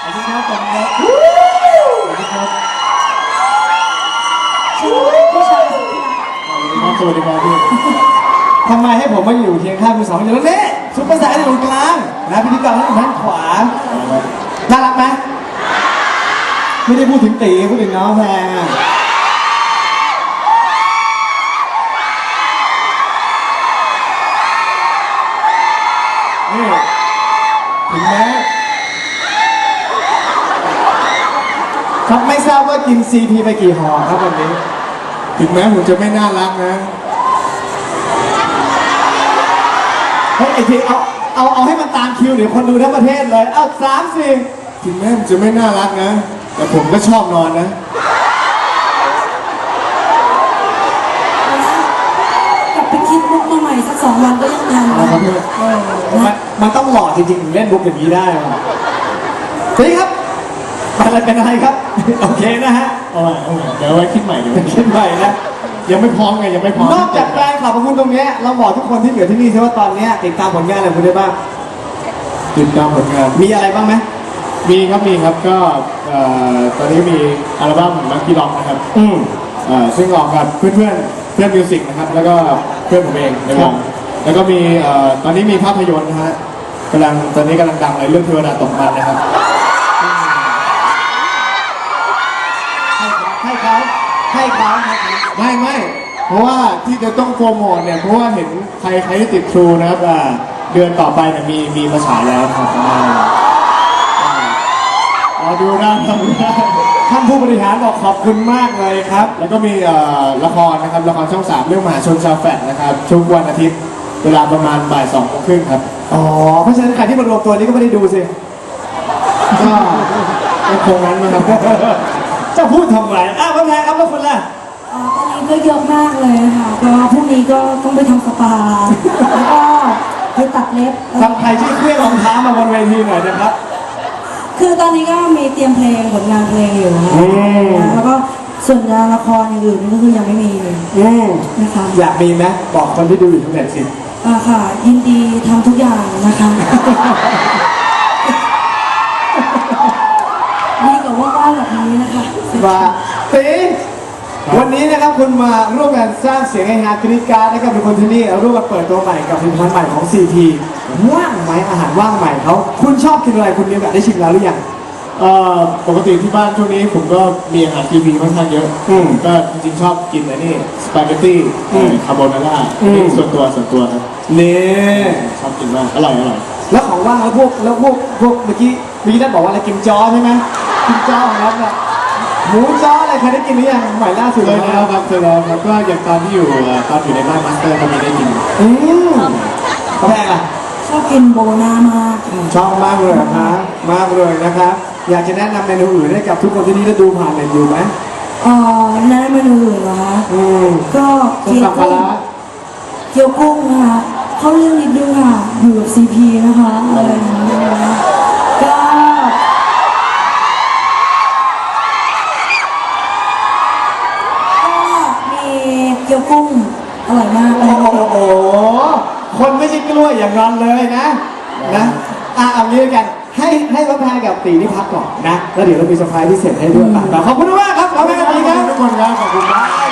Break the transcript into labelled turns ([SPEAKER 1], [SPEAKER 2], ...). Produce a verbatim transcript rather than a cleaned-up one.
[SPEAKER 1] วัสดีครับผมครับสวัสดีครับ
[SPEAKER 2] สวัสดีพี่ชายสุดที่รัก
[SPEAKER 1] สวัสดีครับสวัสดีครับพี่ทำไมให้ผมมาอยู่เคียงข้างคุณสองคนอยู่แล้วเนี่ยซุปเปอร์สตาร์ที่ตรงกลางนะพิธีกรที่อยู่ด้านขวาน่ารักไหมไม่ได้พูดถึงตีพูดถึงน้องแพงนี่ถึงแม้ครับไม่ทราบว่ากินซีพีไปกี่ห่อครับวันนี้ถึงแม้ผมจะไม่น่ารักนะเฮ้ยไอ้ทีเอาเอาเอาให้มันตามคิวเดี๋ยวคนดูทั้งประเทศเลยเอาสามสี่ถึงแม้ผมจะไม่น่ารักนะแต่ผมก็ชอบนอนนะ
[SPEAKER 2] กลับไปคิดมุกมาใหม่สักสองวันก็ยังทันนะ
[SPEAKER 1] มันมันต้องหล่อจริงๆถึงเล่นบุกอย่างนี้ได้ทีนี้ครับอะไรเป็นอะไรครับโอเคนะฮะเอาใหม่เอาใหม่เดี๋ยวไว้คิดใหม่เดี๋ยวคิดใหม่นะยังไม่พร้อมไงยังไม่พร้อมนอกจากแฟนคลับของคุณตรงนี้เราบอกทุกคนที่อยู่ที่นี่ใช่ว่าตอนนี้ติดตามผลงานอะไรคุณได้บ้างติดตามผลงานมีอะไรบ้างไหมมีครับมีครับก็ตอนนี้มีอัลบั้มลัคกี้ล็อกนะครับอืมซึ่งออกกับเพื่อนเพื่อนเพื่อนมิวสิกนะครับแล้วก็เพื่อนผมเองในวงแล้วก็มีตอนนี้มีภาพยนตร์นะฮะกำลังตอนนี้กำลังดังเลยเรื่องเทวดาตกมันนะครับให้เขาให้เขาไม่ไม่เพราะว่าที่จะต้องโปรโมทเนี่ยเพราะว่าเห็นใครใครที่ติดทรูนะครับเดือนต่อไปเนี่ยมีมีมาฉายแล้วครับรอดูนะท่านผู้บริหารบอกขอบคุณมากเลยครับแล้วก็มีละครนะครับละครช่องสามเรื่องมหาชนชาวแฟลตนะครับทุกวันอาทิตย์เวลาประมาณบ่ายสองโมงครึ่งครับอ๋อเพราะฉะนั้นใครที่มารวมตัวนี้ก็ไม่ได้ดูสิก็ก็คงนั้นนะครับจะพูดทำไมอ้าวพ่อแพรครับแล้วคนละ
[SPEAKER 2] อ๋อตอนนี้ก็เยอะมากเลยค่ะก็พรุ่งนี้ก็ต้องไปทำสปาแล้วก็ไปตัดเล็บ
[SPEAKER 1] ทำใครที่เคลื่อนรองเท้ามาบนเวทีหน่อยนะครับ
[SPEAKER 2] คือตอนนี้ก็มีเตรียมเพลงผลงานเพลงอยู่นะแล้วก็ส่วนงานละครอย่างอื่นนี่ก็คือยังไม่มีนะคะ
[SPEAKER 1] อยากมีไหมบอกคนที่ดูอยู่ทุกแผ่นสิ
[SPEAKER 2] อ่าค่ะยินดีทำทุกอย่างนะคะดีกว่าว่างๆแบบนี้นะคะ
[SPEAKER 1] ว่าตีวันนี้นะครับคุณมาร่วมกันสร้างเสียงให้ฮาร์ดกรีการ์นะครับทุกคนที่นี่ร่วมกันเปิดตัวใหม่กับผลิตภัณฑ์ใหม่ของ ซี ที ว่างไหมอาหารว่างใหม่เขาคุณชอบกินอะไรคุณมีโอกาสได้ชิมแล้วหรือยังเอ่อปกติที่บ้านช่วงนี้ผมก็มีอาหาร ซี ที ค่อนข้างเยอะก็จริงๆชอบกินอะไรนี่สปาเกตตี้คาโบนาร่าส่วนตัวส่วนตัวครับนี่ชอบกินมากอร่อยอร่อยแล้วของว่างแล้วพวกแล้วพวกพวกเมื่อกี้เมื่อกี้ได้บอกว่าอะไรกิมจ้อใช่ไหมกิมจ้อของเราเนี่ยหมูจ้ออะไรเคยได้กินหรือยังใหม่ล่าสุดเลยแล้วครับเคยแล้วครับก็อย่างตอนที่อยู่ตอนอยู่ในบ้านมาสเตอร์ก็มีได้กินอืมกาแฟอ่ะ
[SPEAKER 2] ชอบกินโบนามาก
[SPEAKER 1] ชอบมากเลยครับมากเลยนะครับอยากจะแนะนำเมนูอื่นให้กับทุกคนที่นี่ได้ดูผ่านเน็ตอยู่ไหม
[SPEAKER 2] อ๋อแนะนำเมนูอื่นเหรอคะ
[SPEAKER 1] อืม
[SPEAKER 2] ก็เกี๊ยวกุ้งเกี๊ยวกุ้งนะคะเขาเรื่องนิดนึงค่ะอยู่กับ ซี พี นะคะอะไรอย่างเงี้ยก็เกี๊ยวกุ้งอร่อยมากเลย
[SPEAKER 1] โอ้โหคนไม่ใช่กล้วยอย่างนั้นเลยนะนะอ่ะเอางี้กันให้ให้พ่อแพรกับตีนี่พักก่อนนะแล้วเดี๋ยวเรามีเซอร์ไพรส์พิเศษให้ด้วยขอบคุณมากครับขอบคุณมากครับทุกคนครับขอบคุณมาก